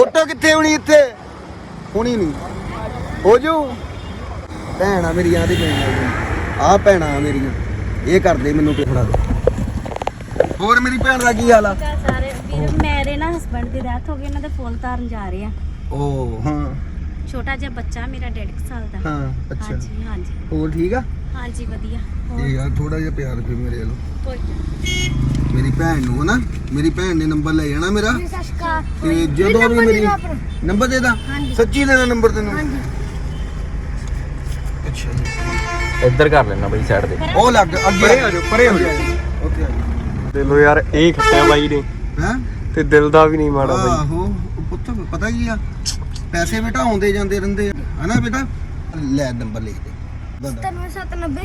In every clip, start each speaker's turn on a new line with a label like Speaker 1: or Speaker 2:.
Speaker 1: photo ਕਿੱਥੇ ਹੋਣੀ ਇੱਥੇ ਹੋਣੀ ਨਹੀਂ ਹੋ ਜੂ ਭੈਣਾਂ ਮੇਰੀਆਂ ਦੇ ਆ ਭੈਣਾਂ ਮੇਰੀਆਂ ਇਹ ਕਰਦੇ ਮੈਨੂੰ ਫੜਾ ਦੇ ਹੋਰ ਮੇਰੀ ਭੈਣ ਦਾ ਕੀ ਹਾਲ ਆ
Speaker 2: ਸਾਰੇ ਵੀਰ ਮੇਰੇ ਨਾ ਹਸਬੰਡ ਦੀ ਡੈਥ ਹੋ ਗਈ ਉਹਨਾਂ ਦੇ ਫੁੱਲ ਤਾਰਨ ਜਾ ਰਹੇ ਆ
Speaker 1: ਓ ਹਾਂ
Speaker 2: ਛੋਟਾ ਜਿਹਾ ਬੱਚਾ ਮੇਰਾ 1.5 ਸਾਲ ਦਾ
Speaker 1: ਹਾਂ ਅੱਛਾ
Speaker 2: ਹਾਂਜੀ ਹਾਂਜੀ
Speaker 1: ਹੋਰ ਠੀਕ ਆ
Speaker 2: ਹਾਂਜੀ ਵਧੀਆ
Speaker 1: ਇਹ ਯਾਰ ਥੋੜਾ ਜਿਹਾ ਪਿਆਰ ਫਿਰ ਮੇਰੇ ਵੱਲੋਂ
Speaker 2: ਕੋਈ
Speaker 1: ਮੇਰੀ ਭੈਣ ਨੂੰ ਨਾ ਮੇਰੀ ਭੈਣ ਨੇ ਨੰਬਰ ਲੈ ਜਾਣਾ ਮੇਰਾ
Speaker 2: ਸਸ਼ਕਾ
Speaker 1: ਤੇ ਜਦੋਂ ਵੀ ਮੇਰੀ ਨੰਬਰ ਦੇ ਦਾ ਸੱਚੀ ਦੇ ਦਾ ਨੰਬਰ ਤੈਨੂੰ ਅੱਛਾ ਜੀ
Speaker 3: ਇੱਧਰ ਕਰ ਲੈਣਾ ਬਈ ਸਾਈਡ ਤੇ
Speaker 1: ਉਹ ਲੱਗ ਅੱਗੇ ਆ ਜਾਓ ਪਰੇ ਹੋ ਜਾਓ ਓਕੇ
Speaker 3: ਦਿਲੋਂ ਯਾਰ ਇਹ ਖੱਟਿਆ ਬਾਈ ਨੇ
Speaker 1: ਹੈ
Speaker 3: ਤੇ ਦਿਲ ਦਾ ਵੀ ਨਹੀਂ ਮਾੜਾ ਬਾਈ
Speaker 1: ਆਹੋ ਪੁੱਤ ਪਤਾ ਕੀ ਆ ਪੈਸੇ ਬੇਟਾ ਆਉਂਦੇ ਜਾਂਦੇ ਰਹਿੰਦੇ ਆ ਹਨਾ ਬੇਟਾ ਲੈ ਨੰਬਰ ਲਿਖ ਦੇ
Speaker 2: 97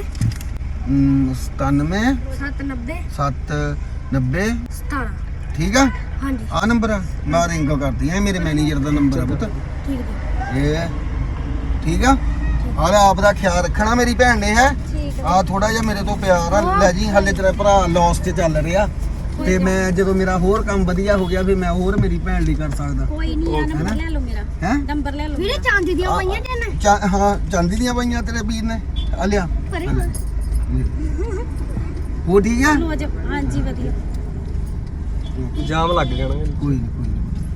Speaker 1: 97
Speaker 2: 97
Speaker 1: 790
Speaker 2: 17
Speaker 1: ਠੀਕ ਆ
Speaker 2: ਹਾਂਜੀ
Speaker 1: ਆ ਨੰਬਰ ਆ ਮੈਂ ਰਿੰਗ ਕਰਦੀ ਆ ਮੇਰੇ ਮੈਨੇਜਰ ਦਾ ਨੰਬਰ ਆ ਪੁੱਤ
Speaker 2: ਠੀਕ ਹੈ
Speaker 1: ਇਹ ਠੀਕ ਆ ਆਲੇ ਆਪ ਦਾ ਖਿਆਲ ਰੱਖਣਾ ਮੇਰੀ ਭੈਣ ਨੇ ਹੈ
Speaker 2: ਠੀਕ ਹੈ
Speaker 1: ਆ ਥੋੜਾ ਜਿਹਾ ਮੇਰੇ ਤੋਂ ਪਿਆਰ ਆ ਲੈ ਜੀ ਹੱਲੇ ਤੇਰਾ ਭਰਾ ਲੌਸ ਤੇ ਚੱਲ ਰਿਹਾ ਤੇ ਮੈਂ ਜਦੋਂ ਮੇਰਾ ਹੋਰ ਕੰਮ ਵਧੀਆ ਹੋ ਗਿਆ ਫਿਰ ਮੈਂ ਹੋਰ ਮੇਰੀ ਭੈਣ ਲਈ ਕਰ ਸਕਦਾ
Speaker 2: ਕੋਈ ਨਹੀਂ ਆ ਨੰਬਰ ਲੈ ਲਓ ਮੇਰਾ
Speaker 1: ਹੈ
Speaker 2: ਨੰਬਰ ਲੈ ਲਓ ਵੀਰੇ ਚਾਂਦੀ ਦੀਆਂ ਪਈਆਂ ਨੇ
Speaker 1: ਹਾਂ ਚਾਂਦੀ ਦੀਆਂ ਪਈਆਂ ਤੇਰੇ ਵੀਰ ਨੇ ਆ ਲਿਆ
Speaker 2: ਪਰੇ
Speaker 1: ਉਹ ਠੀਕ ਆ
Speaker 2: ਲੋ ਜੀ ਹਾਂਜੀ ਵਧੀਆ
Speaker 3: ਜਾਮ ਲੱਗ ਜਾਣਾ
Speaker 1: ਕੋਈ ਨਹੀਂ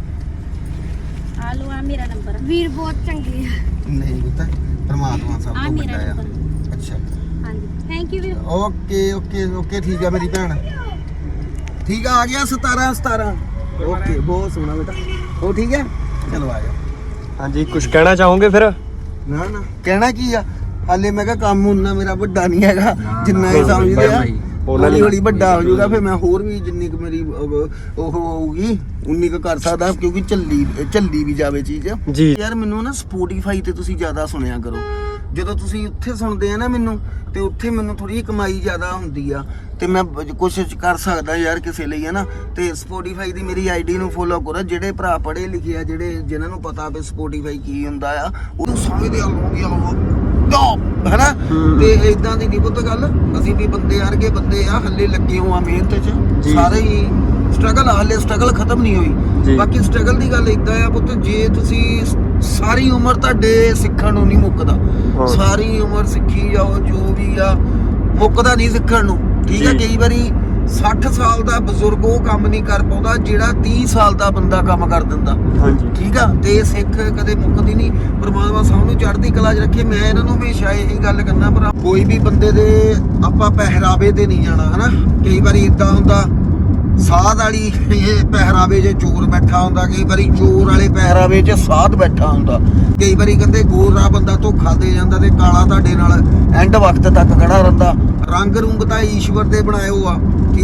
Speaker 2: ਆ ਲੋ ਆ ਮੇਰਾ ਨੰਬਰ ਵੀਰ ਬਹੁਤ ਚੰਗੇ ਆ
Speaker 1: ਨਹੀਂ ਪਤਾ ਪਰਮਾਤਮਾ ਸਭ
Speaker 2: ਆ
Speaker 1: ਤੋਂ
Speaker 2: ਮੇਰਾ
Speaker 1: ਵੱਡਾ ਆ
Speaker 2: ਨੰਬਰ
Speaker 1: ਅੱਛਾ
Speaker 2: ਹਾਂਜੀ ਥੈਂਕ ਯੂ ਵੀਰ
Speaker 1: ਓਕੇ ਠੀਕ ਆ ਮੇਰੀ ਭੈਣ ਠੀਕ ਆ ਗਿਆ 17 ਓਕੇ ਬਹੁਤ ਸੋਹਣਾ ਬੇਟਾ ਉਹ ਠੀਕ ਹੈ ਚਲੋ ਆ ਜਾ
Speaker 3: ਹਾਂਜੀ ਕੁਝ ਕਹਿਣਾ ਚਾਹੋਗੇ ਫਿਰ
Speaker 1: ਨਾ ਕਹਿਣਾ ਕੀ ਆ ਹਾਲੇ ਮੈਂ ਕਿਹਾ ਕੰਮ ਉਹਨਾਂ ਮੇਰਾ ਵੱਡਾ ਨਹੀਂ ਹੈਗਾ ਜਿੰਨਾ ਇਹ ਸਮਝਦੇ ਆ ਹੌਲੀ ਹੌਲੀ ਵੱਡਾ ਹੋ ਜਾਊਗਾ ਫਿਰ ਮੈਂ ਹੋਰ ਵੀ ਜਿੰਨੀ ਕੁ ਮੇਰੀ ਉਹ ਹੋਊਗੀ ਉਨੀ ਕੁ ਕਰ ਸਕਦਾ ਕਿਉਂਕਿ ਚੱਲੀ ਵੀ ਜਾਵੇ ਚੀਜ਼
Speaker 3: ਜੀ
Speaker 1: ਯਾਰ ਮੈਨੂੰ ਨਾ ਸਪੋਟੀਫਾਈ ਤੇ ਤੁਸੀਂ ਜ਼ਿਆਦਾ ਸੁਣਿਆ ਕਰੋ ਜਦੋਂ ਤੁਸੀਂ ਉੱਥੇ ਸੁਣਦੇ ਆ ਨਾ ਮੈਨੂੰ ਤੇ ਉੱਥੇ ਮੈਨੂੰ ਥੋੜੀ ਕਮਾਈ ਜ਼ਿਆਦਾ ਹੁੰਦੀ ਆ ਤੇ ਮੈਂ ਕੋਸ਼ਿਸ਼ ਕਰ ਸਕਦਾ ਯਾਰ ਕਿਸੇ ਲਈ ਹੈ ਨਾ ਤੇ ਸਪੋਟੀਫਾਈ ਦੀ ਮੇਰੀ ਆਈਡੀ ਨੂੰ ਫੋਲੋ ਕਰੋ ਜਿਹੜੇ ਭਰਾ ਪੜ੍ਹੇ ਲਿਖੇ ਆ ਜਿਨ੍ਹਾਂ ਨੂੰ ਪਤਾ ਵੀ ਸਪੋਟੀਫਾਈ ਕੀ ਹੁੰਦਾ ਆ ਉਹ ਸਮਝਦੇ ਆ ਹਨਾ ਤੇ ਇਦਾਂ ਦੀ ਨਹੀਂ ਪੁੱਤ ਗੱਲ ਅਸੀਂ ਵੀ ਬੰਦੇ ਵਰਗੇ ਬੰਦੇ ਆ ਹੱਲੇ ਲੱਗੇ ਹੋ ਆ ਮਿਹਨਤ 'ਚ ਸਾਰੇ ਹੀ ਸਟਰਗਲ ਹੱਲੇ ਸਟਰਗਲ ਖਤਮ ਨਹੀਂ ਹੋਈ ਬਾਕੀ ਸਟਰਗਲ ਦੀ ਗੱਲ ਇਦਾਂ ਆ ਪੁੱਤ ਜੇ ਤੁਸੀਂ ਸਾਰੀ ਉਮਰ ਤੁਹਾਡੇ ਸਿੱਖਣ ਨੂੰ ਨਹੀਂ ਮੁੱਕਦਾ ਸਾਰੀ ਉਮਰ ਸਿੱਖੀ ਜਾਓ ਜੋ ਵੀ ਆ ਮੁੱਕਦਾ ਨਹੀਂ ਸਿੱਖਣ ਨੂੰ ਠੀਕ ਆ ਕਈ ਵਾਰੀ 60 ਸਾਲ ਦਾ ਬਜ਼ੁਰਗ ਉਹ ਕੰਮ ਨਹੀਂ ਕਰ ਪਾਉਂਦਾ ਜਿਹੜਾ 30 ਸਾਲ ਦਾ ਬੰਦਾ ਕੰਮ ਕਰ ਦਿੰਦਾ
Speaker 3: ਹਾਂਜੀ
Speaker 1: ਠੀਕ ਆ ਤੇ ਸਿੱਖ ਕਦੇ ਮੁੱਕਦੀ ਨਹੀਂ ਪਰਮਾਤਮਾ ਸਭ ਨੂੰ ਚੜ੍ਹਦੀ ਕਲਾ 'ਚ ਰੱਖੇ ਮੈਂ ਇਹਨਾਂ ਨੂੰ ਹਮੇਸ਼ਾ ਇਹੀ ਗੱਲ ਕਰਨਾ ਪਰ ਕੋਈ ਵੀ ਬੰਦੇ ਦੇ ਆਪਾਂ ਪਹਿਰਾਵੇ ਤੇ ਨਹੀਂ ਜਾਣਾ ਹਨਾ ਕਈ ਵਾਰੀ ਇਦਾਂ ਹੁੰਦਾ ਸਾਧ ਵਾਲੀ ਇਹ ਪਹਿਰਾਵੇ 'ਚ ਚੋਰ ਬੈਠਾ ਹੁੰਦਾ ਕਈ ਵਾਰੀ ਚੋਰ ਵਾਲੇ ਪਹਿਰਾਵੇ 'ਚ ਸਾਧ ਬੈਠਾ ਹੁੰਦਾ ਕਈ ਵਾਰੀ ਕਹਿੰਦੇ ਗੋਰਾ ਬੰਦਾ ਧੋਖਾ ਦੇ ਜਾਂਦਾ ਤੇ ਕਾਲਾ ਤੁਹਾਡੇ ਨਾਲ ਐਂਡ ਵਕਤ ਤੱਕ ਖੜਾ ਰਹਿੰਦਾ ਰੰਗ ਰੁੰਗ ਤਾਂ ਈਸ਼ਵਰ ਦੇ ਬਣਾਏ ਹੋ ਆ